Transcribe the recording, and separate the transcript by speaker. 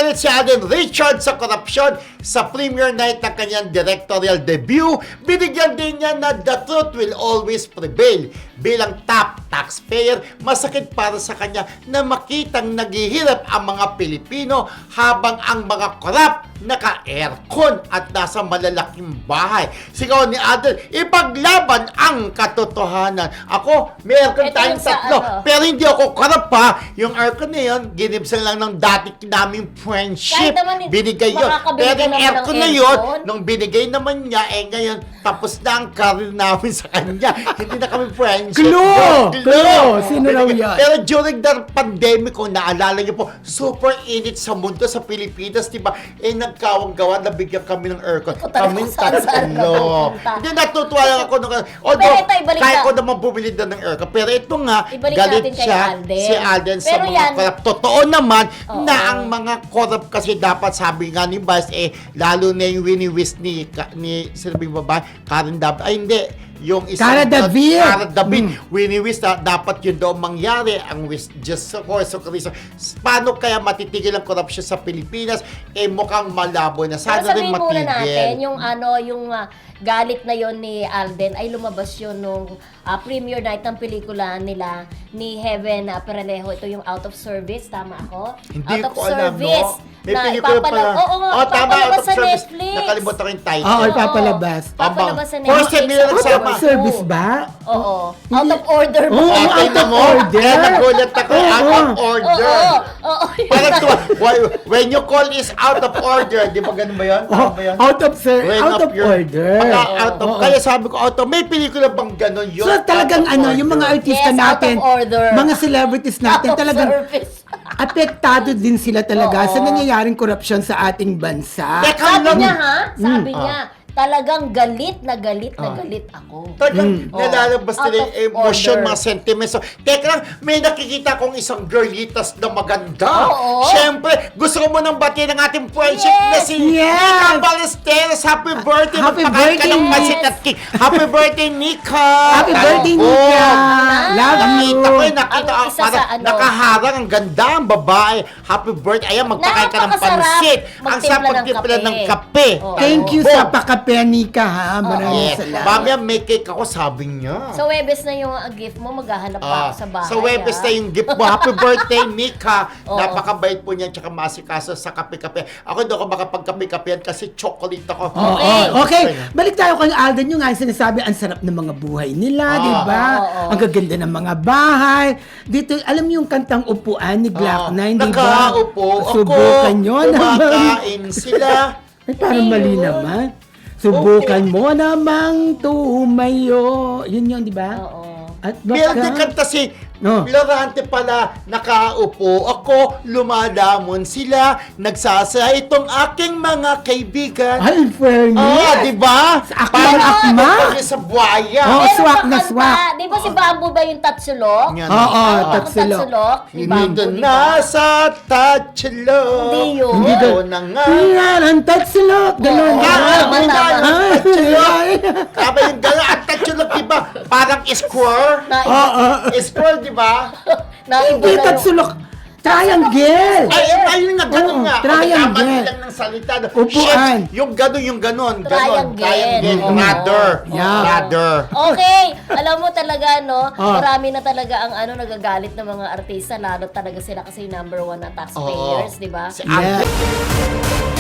Speaker 1: galit si Alden Richards sa korupsyon sa premiere night ng kanyang directorial debut. Binigyan din niya na the truth will always prevail. Bilang top taxpayer, masakit para sa kanya na makitang naghihirap ang mga Pilipino habang ang mga korap naka-aircon at nasa malalaking bahay. Sigaw ni Alden, ipaglaban ang katotohanan. Ako, may aircon
Speaker 2: Ito
Speaker 1: tayong
Speaker 2: yung sa
Speaker 1: tatlo,
Speaker 2: ano.
Speaker 1: pero hindi ako korap pa. Yung aircon na yun, ginibsan lang ng dati naming friendship.
Speaker 2: Kahit naman,
Speaker 1: Binigay yun.
Speaker 2: makakabili
Speaker 1: Pero
Speaker 2: ka
Speaker 1: yung
Speaker 2: naman ng
Speaker 1: aircon na yun,
Speaker 2: aircon.
Speaker 1: nung binigay naman niya, ngayon, tapos na ang career namin sa kanya. Hindi na kami friendship.
Speaker 3: Clue! Sino raw yan?
Speaker 1: Pero during the pandemic, kung naalala niyo po, super init sa mundo sa Pilipinas, di ba? Nagkawang-gawa, nabigyan kami ng aircon.
Speaker 2: Ikaw talaga
Speaker 1: Kaming
Speaker 2: saan ka
Speaker 1: tatlo.
Speaker 2: pupunta.
Speaker 1: Hindi, natutuwa lang ako. Although,
Speaker 2: Pero ito, ibalik
Speaker 1: kaya
Speaker 2: na-
Speaker 1: ko naman bumili na ng aircon. Pero ito nga,
Speaker 2: Ibalik
Speaker 1: galit
Speaker 2: natin kay
Speaker 1: siya,
Speaker 2: Alden.
Speaker 1: si Alden sa
Speaker 2: Pero
Speaker 1: mga
Speaker 2: yan-
Speaker 1: korap. Totoo naman
Speaker 2: Oo.
Speaker 1: na ang mga korap kasi dapat, sabi nga ni Vice, lalo na yung wini-wish ni sino ba yung babae? Karen David. Ay, hindi. Yung isang
Speaker 3: Cara David.
Speaker 1: Cara David. Wini-wish na dapat yun daw mangyari. Ang wish just sa course of reason. Paano kaya matitigil ang korupsyon sa Pilipinas? Mukhang malabo na.
Speaker 2: Pero
Speaker 1: Sana rin
Speaker 2: sabihin muna natin,
Speaker 1: matigil.
Speaker 2: yung galit na yon ni Alden ay lumabas yun nung premiere night ng pelikula nila ni Heaven Peralejo. Ito yung Out of Service, tama ako?
Speaker 1: Hindi
Speaker 2: Out of
Speaker 1: ko alam,
Speaker 2: Service.
Speaker 1: no? May pelikula pala.
Speaker 2: Oo nga,
Speaker 1: Oh, tama,
Speaker 2: ipapalabas
Speaker 1: Out of
Speaker 2: sa
Speaker 1: Service.
Speaker 2: Netflix.
Speaker 1: Nakalimutan ko yung title.
Speaker 3: Oo, ipapalabas.
Speaker 2: Papalabas sa
Speaker 1: First time nila
Speaker 2: Netflix.
Speaker 1: nagsama.
Speaker 3: Out of service ba?
Speaker 2: Oo. Out of order ba?
Speaker 3: Oo,
Speaker 1: Okay
Speaker 3: out
Speaker 1: na
Speaker 3: of
Speaker 1: mo.
Speaker 3: order.
Speaker 1: Kaya nagulat ako. Out of order.
Speaker 2: Oo.
Speaker 1: Parang when you call is out of order. Di ba ganun ba yun? Tama ba yun?
Speaker 3: Out of
Speaker 1: When
Speaker 3: out of
Speaker 1: your-
Speaker 3: order.
Speaker 1: Out of, kaya sabi ko, out of, may pelikula bang ganun yun?
Speaker 3: So talagang
Speaker 1: Out of
Speaker 3: yung mga
Speaker 1: order.
Speaker 3: artista
Speaker 2: Yes, out of
Speaker 3: natin,
Speaker 2: order.
Speaker 3: mga celebrities natin,
Speaker 2: Out of
Speaker 3: talagang
Speaker 2: service.
Speaker 3: apektado din sila talaga sa
Speaker 2: Oo.
Speaker 3: nangyayaring korupsyon sa ating bansa.
Speaker 1: Teka
Speaker 2: Sabi
Speaker 1: lang.
Speaker 2: niya ha? Sabi
Speaker 1: Mm.
Speaker 2: niya, talagang galit na galit na galit ako.
Speaker 1: Talagang nalalabas
Speaker 2: Out
Speaker 1: nila
Speaker 2: of
Speaker 1: yung emotion,
Speaker 2: order.
Speaker 1: mga sentiments. So, teka lang, may nakikita kong isang girlitas na maganda.
Speaker 2: Oo.
Speaker 1: Siyempre, gusto ko mo nang batiin ng ating friendship na si
Speaker 3: Yes.
Speaker 1: Nika Ballesteros. Happy birthday.
Speaker 3: Happy
Speaker 1: Magpakain ka ng
Speaker 3: birthday.
Speaker 1: pansit at cake. Happy birthday, Nika.
Speaker 3: Happy birthday,
Speaker 1: Talbog.
Speaker 3: Nika! Love you!
Speaker 1: Nakita ko nakita
Speaker 2: Ang isa
Speaker 1: parang
Speaker 2: sa ano.
Speaker 1: nakaharang, ang ganda, ang babae. Happy birthday. Ayan, magpakain ka ng
Speaker 2: Napakasarap
Speaker 1: pansit. Ang
Speaker 2: magtimpla
Speaker 1: sarap
Speaker 2: ng
Speaker 1: magtimpla
Speaker 2: kape.
Speaker 1: ng kape.
Speaker 2: Oo.
Speaker 3: Thank you
Speaker 1: Talbog.
Speaker 3: sa pakape, Nika, ha? Maraming
Speaker 1: Yes.
Speaker 3: salamat.
Speaker 1: Mamaya may cake ako, sabi niya.
Speaker 2: Sa Webes na yung gift mo, maghahanap pa ako sa bahay.
Speaker 1: Sa Webes na
Speaker 2: ah.
Speaker 1: yung gift mo. Happy birthday, Nika.
Speaker 2: Oo.
Speaker 1: Napakabait po niya, tsaka masikaso sa kape-kape. Ako hindi ako makapagkape-kapehan kasi chocolate ako.
Speaker 3: Okay. Okay.
Speaker 1: Gusto niya.
Speaker 3: Balik tayo kay Alden, yung nga sinasabi, ang sarap ng mga buhay nila, di ba?
Speaker 2: Oo.
Speaker 3: Ang gaganda ng mga bahay. Dito, alam mo yung kantang Upuan ni Glock 9, di ba?
Speaker 1: Nakaupo ako.
Speaker 3: Subukan nyo naman.
Speaker 1: Kumakain sila.
Speaker 3: Ay, parang mali
Speaker 2: Ayun.
Speaker 3: naman. Subukan mo namang tumayo. Yun yun, di ba?
Speaker 2: Oo.
Speaker 3: At
Speaker 1: Meron din
Speaker 3: baka...
Speaker 1: kanta si
Speaker 3: No.
Speaker 1: Lorante pala, nakaupo ako, lumadamon sila, nagsasaya itong aking mga kaibigan.
Speaker 3: Ay, fairness.
Speaker 1: Di ba?
Speaker 3: Sa akmang akma?
Speaker 1: Parang sa buhaya.
Speaker 3: Oo.
Speaker 2: Meron
Speaker 3: swak
Speaker 2: pa
Speaker 3: na
Speaker 2: kanta.
Speaker 3: swak.
Speaker 2: Di ba si Bamboo ba yung Tatsulok?
Speaker 1: Yan.
Speaker 3: Oo,
Speaker 2: Ang
Speaker 3: Tatsulok.
Speaker 2: Tatsulok ni Bamboo,
Speaker 1: Hindi
Speaker 2: di ba?
Speaker 1: nasa Tatsulok.
Speaker 2: Hindi yun.
Speaker 3: Hindi
Speaker 1: Oo
Speaker 3: doon.
Speaker 1: na nga.
Speaker 3: Yan, ang tatsulok. Ganon.
Speaker 2: Oo.
Speaker 1: Tama,
Speaker 2: Tama.
Speaker 3: Ay,
Speaker 1: Tama yung gano'n. Ang Tatsulok, di ba? Parang square. Square, di ba?
Speaker 2: Naiba
Speaker 3: Hindi
Speaker 2: na yung...
Speaker 3: tatsulok. Triangle.
Speaker 1: Ayun nga, ganun
Speaker 3: Oo,
Speaker 1: nga.
Speaker 3: triangle.
Speaker 1: Kamali lang ng salita.
Speaker 3: Upuan.
Speaker 1: Shit, yung gano'n.
Speaker 2: Triangle. Oo.
Speaker 1: Ladder.
Speaker 3: Yeah.
Speaker 1: Ladder.
Speaker 2: Okay, alam mo talaga, no?
Speaker 3: Ah.
Speaker 2: Marami na talaga ang nagagalit ng mga artista, lalo talaga sila kasi number one na taxpayers, di ba?
Speaker 1: Si
Speaker 3: Yeah.
Speaker 1: Ate.